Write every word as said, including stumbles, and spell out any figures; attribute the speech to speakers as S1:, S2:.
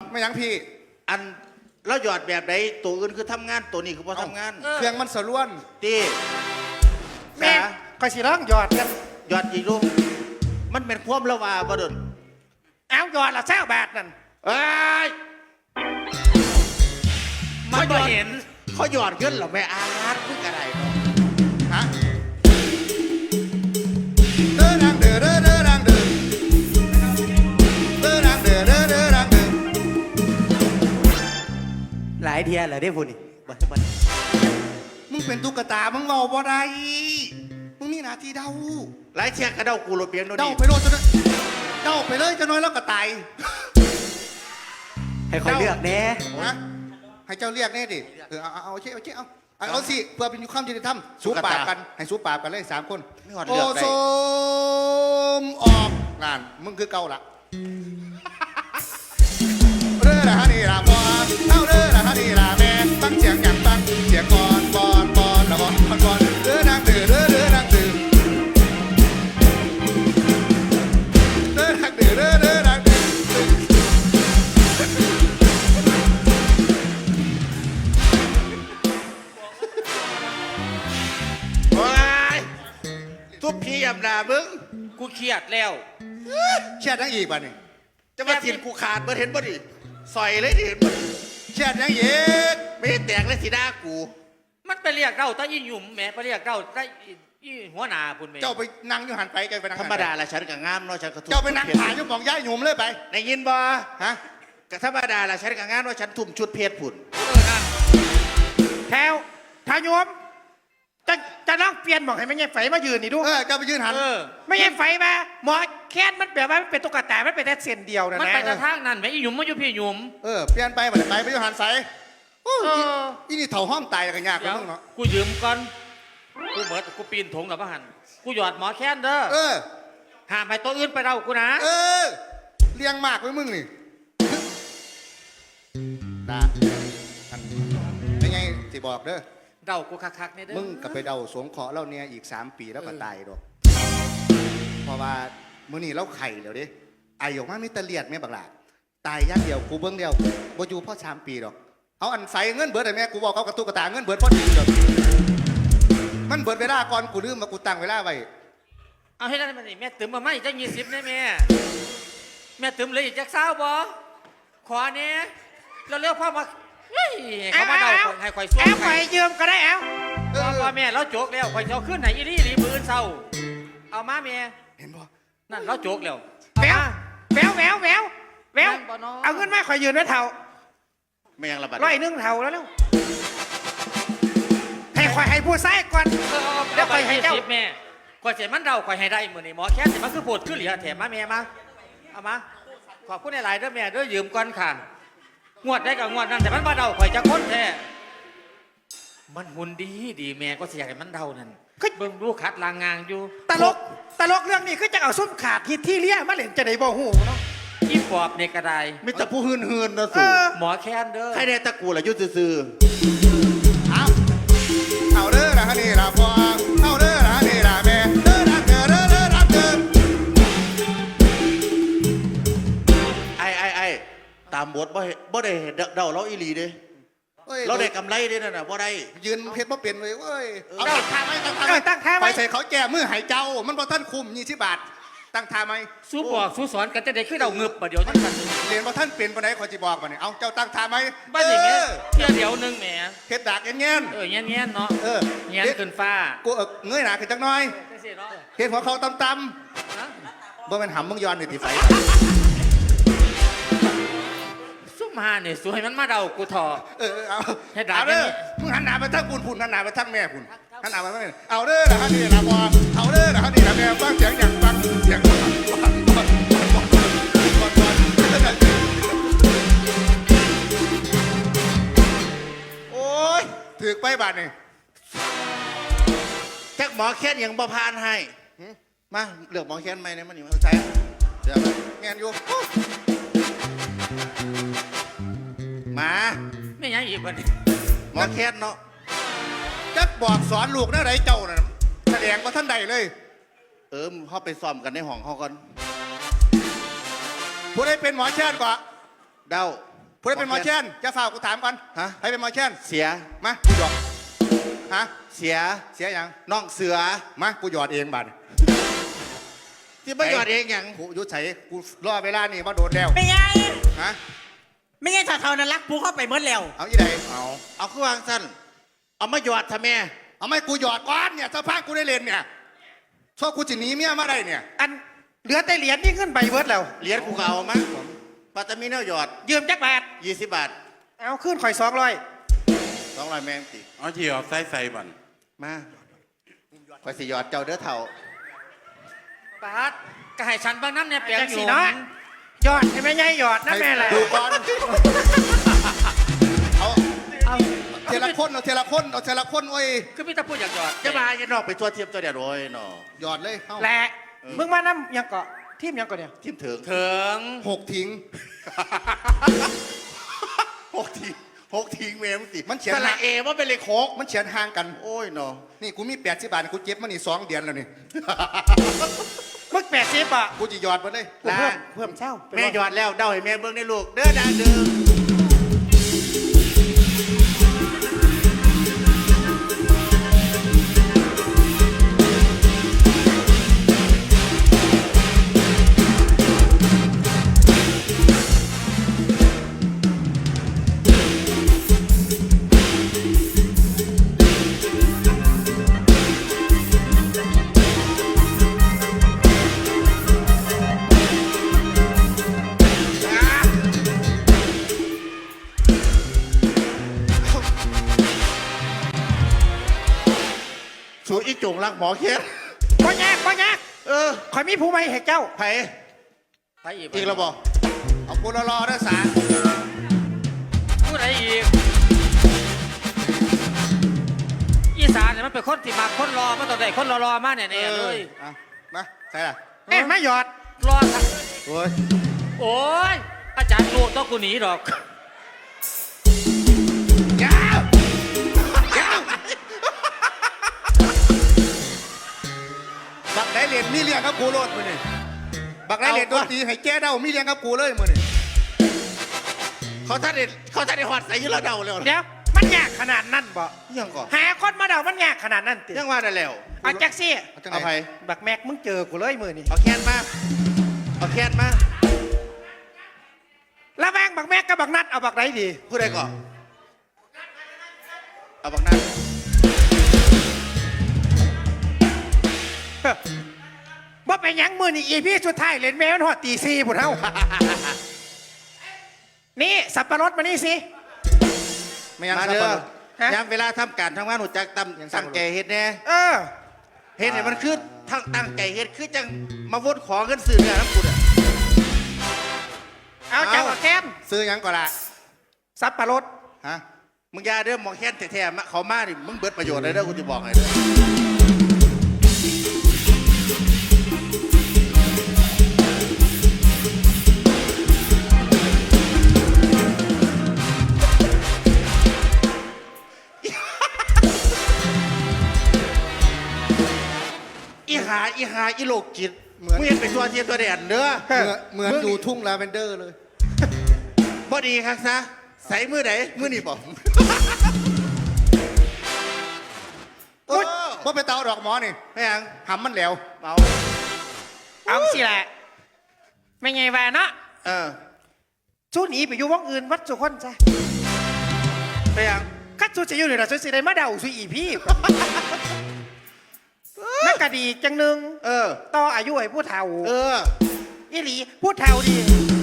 S1: ไม่ยังพี่
S2: อันแล้วหยอดแบบไหนตัวอื่นคือทำงานตัวนี้คือพอทำงาน
S1: เครื่องมันสล้วน
S2: ตี
S3: แม่ก็สิร้องหยอดกัน
S2: หยอดอีกลูกมันเป็นความละวาบ่ดน
S3: เอาหยอดละเจ้าบาทนั่น
S2: เอ้ยมันบ่เห็นเขาหยอดเงินหรอแม่อาร์ตพึ่งอะไรเนาะ
S1: ฮะเด้อดังเด้อเด้อเด้อดังเด้อเด้อดังเด้อเด้อเด้อดังเด้อ
S3: หลายเทียเหรอได้พูดนี่บ่บ่
S1: มึงเป็นตุ๊กตามึงเมาบ่ได้มึงมีหน้าที่เดา
S2: หลายเชียกระเดากูโรเปียงโดน
S1: เดาไปโลดจะเดาไปเลยจะน้อยแล้วก็ตาย
S3: ให้คอยเลือกแน่
S1: นะให้เจ้าเรียกแน่ดิเออเอาเอาเอาเชี่เอาเชี่เอาเอาสิเพื่อเป็นความยุติธรรมสู้ปราบกันให้สู้ปราบกันเลยสามคนโอโซมออกงานมึงคือเก่าละเรื่อละฮะนี่ละบอลเอาเรื่อละฮะนี่ละแม่ตั้งเสียงอย่างตั้งเสียงบอลบอลบอลละบอลบอลบอลเรื่อนางตื่นเรื่อเรื่อนางตื่นเรื่อนางตื่นเรื่อเรื่อนางตื่น
S2: ทุบพี่ยำนามึง
S4: กูเครียดแล้ว
S1: เชียดยังอีกป่ะนี่
S2: จะมาถิ่นกูขาดมาเห็นบ่ดิซอยเลยดิเห็นบ่
S1: เชียดยังอีก
S2: ไม่แตกเลยสีหน้ากู
S4: มันไปเรียกเราตายี่หยุ่มแม่ไปเรียกเราตายี่หัวหน้าคุณแม่
S1: เจ้าไปนั่งอยู่หันไปแกไปนั่ง
S2: ธรรมดาละฉันกับงามเนาะฉันก็
S1: เจ้าไปนั่งถ่ายอยู่มองย้ายหนุ่มเลยไป
S2: ในยินบ่
S1: ฮะ
S2: กับธรรมดาละฉันกับงามเนาะฉันทุ่มชุดเพชรผุ่น
S3: แถวทายมจะจะลองเปลี่ยนบอกให้ไม่ใช่ไฟมายืนนี่ดู
S1: เออจะไปยืนหัน
S3: ไม่ใช่ไฟมาหมอแค้นมันแบบว่ามันเป็นตุ๊กตามันเป็นแต่เส้นเดียวนะ
S4: มันไปแต่ทางนั้นแม่ยี่หยุ่มมาอยู่พี่หยุ่ม
S1: เออเปลี่ยนไปไปไปไปยืนหันใส่อีนี่เถ่าห้อมตายกันยากกันเนาะ
S4: กูยืมก่อนกูเหมือนกูปีนถงกับพระหันกูหยอดหมอแค้นเด้อ
S1: เออ
S4: ห้ามให้ตัวอื่นไปเดากูนะ
S1: เออเลี้ยงมากไว้มึงนี่ด่าเป็นไงสิบอกเด้อ
S4: เดากูคักๆเนี่ยเด้อ
S1: มึงกับไปเดาสวงขอเล่าเนี่ยอีกสามปีแล้วก็ตายดอกเพราะว่ามื้อนี้เราไข่เดี๋ยวดิไอออกมามีตะเลียดแม่บักหลาตายย่างเดียวกูเบิ้งเดียวบ่อยู่พ่อสามปีดอกเอาอันใส่เงินเบิดไอ้แม่กูบอกเขากระตุกกระตาเงินเบิดพอดีเดียวมันเบิดเวลาก่อนกูลืมมากูตั้งเวลาไว้
S4: เอาให้ได้มันนี่แม่ตื่มมาไม่จะยี่สิบเนี่ยแม่แม่ตื่มเลยอีกจักเศร้าบ่ขอเนี่ยเราเรียกพ่อมาเฮ้ยเขามาเดาให้ข่อยสู้
S3: แอลข่อยยืมก็ได้แอล
S4: พ่อแม่เราโจกแล้วข่อยจะขึ้นไหนอีรี่รีมือเศร้าเอามาแม่
S1: เห็นบ่
S4: นั่นเราโจกแล้ว
S3: แววแววแววแววแววเอาเงินมาข่อยยืมไว้เท่า
S2: ไม่ยังระบาด
S3: ร้อยนึงเท่าแล้วเร็วให้ข่อยให้ผู้ใส่ก่อน
S4: เดี๋ยวข่อยให้เจ้าแม่ข่อยเสียมันเดาข่อยให้ได้เหมือนนี่หมอแค่เสียมันคือปวดขึ้นเหลือแถมมาแม่มาเอามาขอบคุณหลายๆเด้อแม่เด้อยืมก่อนค่ะงวดได้กับงวดนั้นแต่มันมาเดาข่อยจะค้นแท้มันมุนดีดีแม่ก็เสียให้มันเดานั่นเบิ่งดูขัดลางงางอยู่
S3: ตลกตลกเรื่องนี้คือจะเอาส้มขาดฮิตที่เลี้ยมาเล่นจะได้บ่หูเนาะ
S4: อีปอบในกระได
S2: มีแต่ผู้หืนหืนนะสู
S4: หมอแค้นเด้อ
S2: ใครได้ตะกูล่ะยุติซื่อ
S1: เอาเอาเด้อนะฮะนี่ละพ่อเอาเด้อนะฮะนี่ละแม่เด้อรักเด้อเด้อเด้อรักเด้อ
S2: ไอ้ไอ้ไอ้ตามบทบ่บ่ได้เดาเราอีหลีเด้เราได้กำไรเด้นั่นน่ะบ่ได้
S1: ยืนเพชรบ่เปลี่ยนเลยเว้ยเอา
S3: ตั้งท่าไหมตั้งท่าไหมตั้งท่าไหม
S1: ไปใส่เขาแก่มือหายเจ้ามันบ่ท่านคุมยี่สิบบาทตั้งท่าไหม
S4: สู้บอกสู้สอนกันจะได้ขึ้นเราเงือบประเดี๋ยวท่าน
S1: เรียนบ่ท่านเปลี่ยนปานใดขอจิบอกบ่เนี่ยเอาเจ้าตั้งท่าไหม
S4: บ้านอย่างเงี้ยเที่ยวเดียวนึงแหม
S1: เพชรดากเงี้ย
S4: เออเงี้ยเงี้ยเนาะ
S1: เออ
S4: เงี้ยขึ้นฟ้า
S1: กูเออเงยหน้าขึ้นจักหน่อยเห็นหัวเขาต่ำๆบ่แม่นหำมึงย้อนนี่ที่ไฟ
S4: ซุ่มหาเนี่ยสวยมันมาเดากูถอ
S1: เออเอาให้ด่าเด้อมึงหันหน้าไปทางคุณพุ่นหันหน้าไปทางแม่พุ่นหันหน้าไปทางแม่เอาเด้อนะฮะนี่นะพอเอาเด้อนะฮะนี่นะแม่ฟังเสียงอย่างฟังเสียงโอ้ยถือไปบาทนี่
S2: แจ็คหมอแค้นยังบ่พานให้มาเลือกหมอแค้นไหมเนี่ยมันนี่มันใช่เดี๋ยว
S1: แงนอยู่
S2: มา
S4: ไม่ยังอีกวันนี้
S2: หมอแค้นเนาะ
S1: จักบอกสอนลูกนะไรเจ้าน่ะแสดงว่าท่านใดเลย
S2: เออเขาไปซ้อมกันในห้องเขาก่อน
S1: ผู้ใดเป็นหมอแค้นกว่า
S2: เดา
S1: ผู้ใดเป็นหมอแคนจะฝากกูถามก่อน
S2: ฮะ
S1: ใครเป็นหมอแคน
S2: เสีย
S1: มากูหยอดฮะ
S2: เสีย
S1: เสียยัง
S2: น้องเสือ
S1: มากูหยอดเองบัด
S2: ที่ไม่หยอดเองอย่าง
S1: กูอยุดใส่กูรอเวลานี่มาโดนแล้ว
S5: ไม่ไง
S1: ฮะ
S5: ไม่ไงถ้าเท่านั้นรักปูเข้าไปเมื่อแล้ว
S1: เอาอีใดเอา
S2: เอาเครื่องสั้นเอามาหยอดทำไม
S1: เอาไม่กูหยอดก้อนเนี่ยสภาพกูได้เล่นเนี่ยชอบกูจะหนีเมียมาได้เนี่ย
S3: อันเหลือแต่เหรียญนี่ขึ้นไปเบิดแล้ว
S2: เหรียญกูก็เอามาปัตตามีแนวหยอด
S3: ยืมจักบาท
S2: ยี่สิบบาท
S3: เอาขึ้นข่อยสองร้อย
S2: สองร้อยแมงติ
S6: เอาที่เอาใส่ใส่บัน
S2: มาคอยสิหยอดเจ้าเด้อเถ่า
S4: ปาดก็ให้ฉันเบิ่งน้ำเนี่ยเปียก
S3: จัง
S4: อ
S3: สี
S4: ยู่
S3: เนาะหยอดให้แม่ใหญ่หยอดนะแม่แหละ
S1: ดูก่อนเอา
S4: เอา
S1: เทละคนเอาเทละคนเอาเทละคนโอ้ย
S4: คือพี่ตะพูดอยากหยอด
S2: จะมาจะนอกไปตัวเทียมตัวเดียวโอ้ยหนอ
S1: หยอดเลยเอา
S3: แหละมึงมาน้ำยังเกาะทีมยังเกาะเนี่ย
S2: ทิมถึง
S4: ถึง
S1: หกทิ้ง
S2: หกทิ้งหกทิ้งเมมสิ
S1: มันเขียน
S2: สระเอว่าเป็นเลขหก
S1: มันเขียนห่างกัน
S2: โอ้ยหนอ
S1: นี่กูมีแปดสิบบาทกูเจ็บมันนี่สองเดือนแล้วนี่
S3: มึงแปดสิบอ่ะ
S1: กูจะหยอดมาเลย
S3: กูเพิ่มเพิ่มเช่า
S2: แม่หยอดแล้วเดาให้แม่เบิ้งในลูกเด้อดาเด้อ สูอีจงรักหมอเคียน
S3: บ่ยากบ่ยาก
S2: เออ
S3: ข่อยมีผู้ไม่ให้เจ้า
S2: ไผ
S4: ไปอีก
S2: อีกแล้วบอก
S1: เอากูรอๆเด้อสาร
S4: พูดอะไรอีกอีสานเนี่ยมันเป็นคนที่มาคนรอมาต่อได้คนรอๆมาเนี่ยเนี่ยเลย
S1: เอามาใส่ละ
S3: เอ้ยมาหยอด
S4: รอสัก
S1: โอ้ย
S4: โอ้ยอาจารย์รู้ต้องกูหนีดอก
S1: ยาวยาวบักได้เหรียญมีเลี้ยงกับกูโลดมือนี่บักได้เหรียญดนตรีให้แก้เด้ามีเลี้ยงกับกูเลยมือนี่
S2: เขาท่านเด็ดเขาท่านเด็ดหอดใส่อยืดแล้วเดาแล้ว
S3: เดี๋ยวมันยากขนาดนั้นบ่
S2: ยังก่อน
S3: หาคนมาเดามันยากขนาดนั้นติ
S2: ยังว่าได้แล้ว
S3: เอาแจ็คซี่
S1: เอาจัง
S2: เอา
S1: ไห
S2: ไผ
S1: น
S3: บักแม็กมึงเจอกูเลยมือนี่
S2: เอาแคนมาเอาแคนมา
S3: แล้วแม่งบักแม็กกับบักนัดเอาบักไหนดี
S2: ผู้ใดก่อนเอาบักนั้น
S3: เฮ้อบ่ไปนหยังมือนี่อีพี่สุดท้ายเล่นแมวมันหอดตีซีผุดเฮานี่สับปะรดมานี่สิ
S1: ไม่ยัง
S2: มา
S1: สับ
S2: เด้
S1: ปะ
S2: อ
S1: รด
S3: ฮะ
S2: ยามเวลาทำการทำงานหนูจักตั้ม
S1: ยังสั่
S2: ตั้
S1: ง
S2: งใจเฮ็ดแน่
S3: เออ
S2: เฮ็ดให้มันคือทั้งตั้งใจเฮ็ดคือจังมาวนขอเงินซื้อเนื้อน้ำกูเนี่ย
S3: เอาจังแก้ม
S1: ซื้อหยังก่อนละ
S3: สับปะรด
S1: ฮะ
S2: มึงอยาเด้อหมองแค้นแท้ๆมาเขามาดิมึงเบิดประโยชน์เลยเด้อกูจะบอกให้เด้ออีหาอีหาอีโลกจิตมึงเห็นเป็นตัวเทียมตัวแดนเด้อ
S1: เหมือนเหมือนอยู่ทุ่งลาเวนเดอร์เลย
S2: พอดีครับซะใส่มือไหนมือนี่บอก
S1: โอ๊ยว่าไปเตาดอกหมอนี่
S2: ไม่ยัง
S1: หำมันแล้ว
S2: เมา
S3: เอาสิแหละไม่ไงแวะเนาะ
S2: เออ
S3: สู้หนีไปอยู่วงอื่นวัดสุคนจ้ะ
S2: ไม่ยัง
S3: คัดสู้จะอยู่นี่ล่ะสู้สิได้มาเดาสู้อีพี่นักกะดีจังหนึง
S2: เออ
S3: ต่ออายุให้ผู้เฒ่า
S2: เออ
S3: อีหลีผู้เฒ่าดี